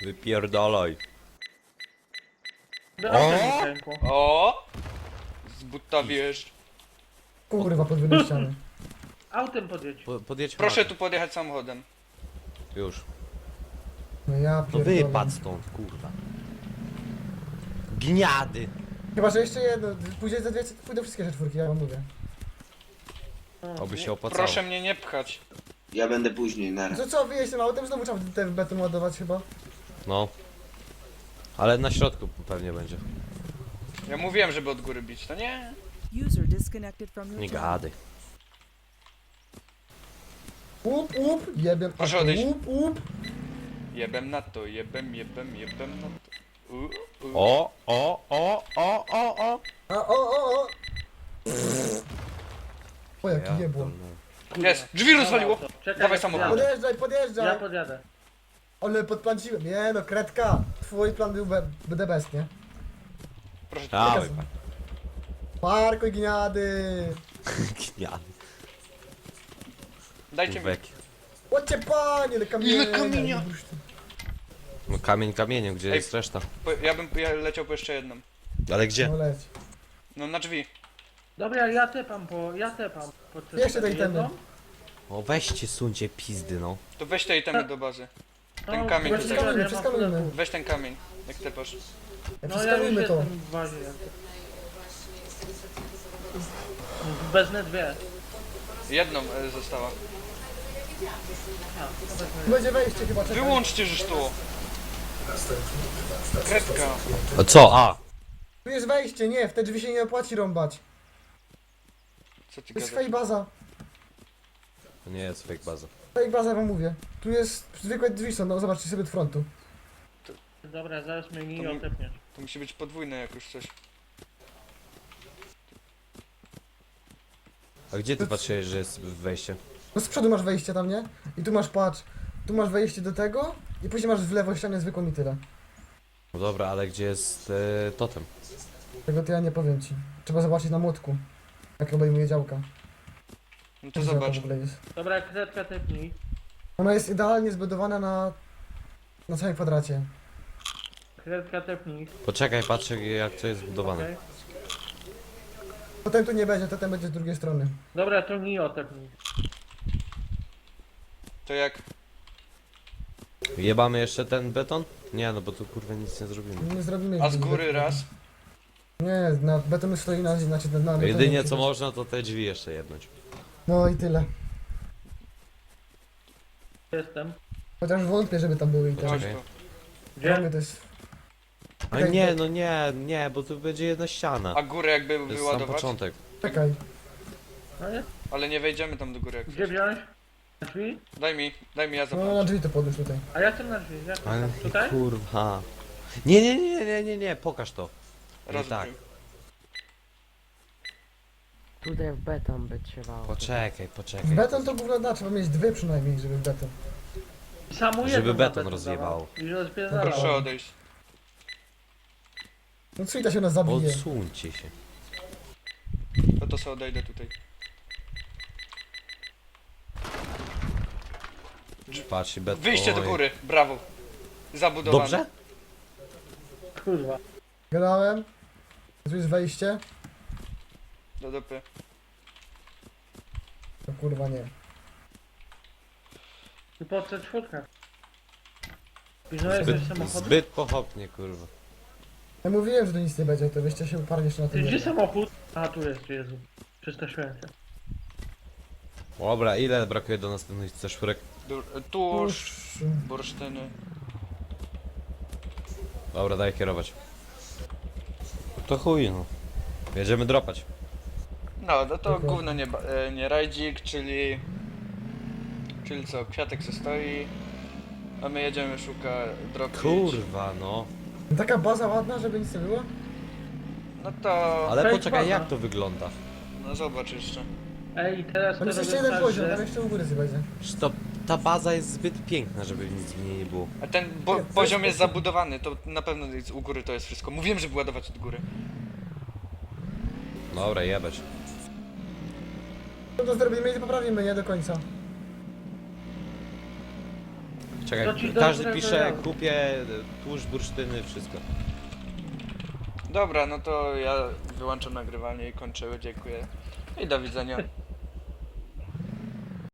Wypierdalaj. O! O! Z buta wiesz. Kurwa, podwójne ściany. Autem podjedź. Podjedź. Proszę tu podjechać samochodem. Już. No ja No pierdolę. wypadł stąd, kurwa. Gniady. Chyba, że jeszcze jedno. Później za dwie pójdą wszystkie czwórki, ja wam mówię. Oby się opłacało. Proszę mnie nie pchać. Ja będę później, nara. To co, wyjeźdź tym autem, znowu trzeba ten beton ładować chyba. No. Ale na środku pewnie będzie. Ja mówiłem, żeby od góry bić, to nie? User disconnected from your Nie channel. gadaj. Łup, jebiem. Proszę odejść. Łup. Jebem na to, jebem na to. O. O. O, jaki jebło. Jest! Drzwi rozwaliło! Czekaj, Dawaj ja samochód. podjadę. Podjeżdżaj. Ja podjadę. Ale podplanciłem. Nie no, kredka. Twój plan był the best, nie? Proszę, Dawaj. Parkuj gniady. Gniady. dajcie mi. Kurweki. Łocie panie, ile kamienia. Ile kamienia? No kamień kamieniem, gdzie Ej. jest reszta? Ja leciał po jeszcze jedną. Ale gdzie? No leć. No na drzwi. Dobra, ja tepam po... Jeszcze tej temy. jedną. O weźcie, suńcie pizdy, no. To weź te itemy do bazy. Ten No, kamień właśnie tutaj. ja mam Przeskanujmy. full. Weź ten kamień, jak tepasz. No ja już Przeskanujmy to. jestem w bazie. Wezmę dwie. Jedną została. Będzie wejście chyba, czekaj. Wyłączcie żeż to! Kredka. O co? A! Tu jest wejście, nie, w te drzwi się nie opłaci rąbać. Co ty To jest gadasz? fake baza. To nie jest fake baza. Fake baza wam mówię. Tu jest zwykłe drzwi są, no zobaczcie sobie od frontu. Dobra, zaraz mnie nie To mi- otepniesz. To musi być podwójne jak już coś. A gdzie ty patrzyłeś, że jest wejście? No z przodu masz wejście tam, nie? I tu masz, patrz, tu masz wejście do tego i później masz w lewo ścianę zwykłą i tyle. No dobra, ale gdzie jest totem? Tego to ja nie powiem ci. Trzeba zobaczyć na młotku. Jak obejmuje działka. No to Gdzie zobacz. w ogóle jest. Dobra, kredka tepnij. Ona jest idealnie zbudowana na całym kwadracie. Kredka tepnij. Poczekaj, patrzę jak to jest zbudowane. Okej. Potem tu nie będzie, totem będzie z drugiej strony. Dobra, to nie otepnij. To jak? Jebamy jeszcze ten beton? Nie, no bo tu kurwa nic nie zrobimy. Nie zrobimy. A z góry raz? Nie, na betonu stoi na znaczy na betonie. Jedynie co można to te drzwi jeszcze jebnąć. No i tyle. Jestem. Chociaż wątpię, żeby tam były i tak. Chodź Okej. tu. Dla mnie Gdzie? to jest... A Okej, nie, to- no nie, bo tu będzie jedna ściana. A górę jakby To jest sam wyładować? początek. Czekaj. No jest. Ale nie wejdziemy tam do góry jak Gdzie coś. wziąć? Na drzwi? Daj mi ja No zobaczę. na drzwi to podłóż tutaj. A ja chcę na drzwi. Ja chcę Ale tutaj? kurwa. Nie, pokaż to. Raz tak. Tutaj w beton by trzeba. Poczekaj. W beton to gówno da, trzeba mieć dwie przynajmniej, żeby w beton. Samu Żeby jedną na beton rozjebało. dawał. I rozpierdalało. Proszę odejść. No Cwita się nas zabije. Odsuńcie się. To sobie odejdę tutaj. Patrz, beton. Wyjście do Oj. góry, brawo. Zabudowane. Dobrze? Kurwa. Gadałem. Tu jest wejście. Do dupy. No kurwa nie. I po co czwórka? Pilnujesz też samochodu? Zbyt pochopnie, kurwa. Ja mówiłem, że tu nic nie będzie, to wyście się uparli jeszcze na Ty, tym. gdzie jednym. samochód? A tu jest, Jezu. Przestraszyłem się. Dobra, ile brakuje do następnych C4? Tuż, Tuż. bursztyny. Dobra, daj kierować. To chuj, no. Jedziemy dropać. No, no to Dokładnie. gówno nie rajdzik, czyli... Czyli co, kwiatek se stoi. A my jedziemy szukać drogi. Kurwa, no. Taka baza ładna, żeby nic nie było? No to... Ale Fake poczekaj, baza. jak to wygląda? No zobacz jeszcze. Ej, teraz Tam jest robię jeszcze jeden tak, poziom, że- tam jeszcze u góry sobie będzie. Że to, ta baza jest zbyt piękna, żeby nic w niej nie było. A ten poziom jest zabudowany, to na pewno jest u góry to jest wszystko. Mówiłem, żeby ładować od góry. Dobra, jebać. No to zrobimy i poprawimy, nie do końca. Czekaj, To ci każdy dobrze pisze, wyjadę. kupię tłuszcz, bursztyny, wszystko. Dobra, no to ja wyłączam nagrywanie i kończymy, dziękuję. I do widzenia.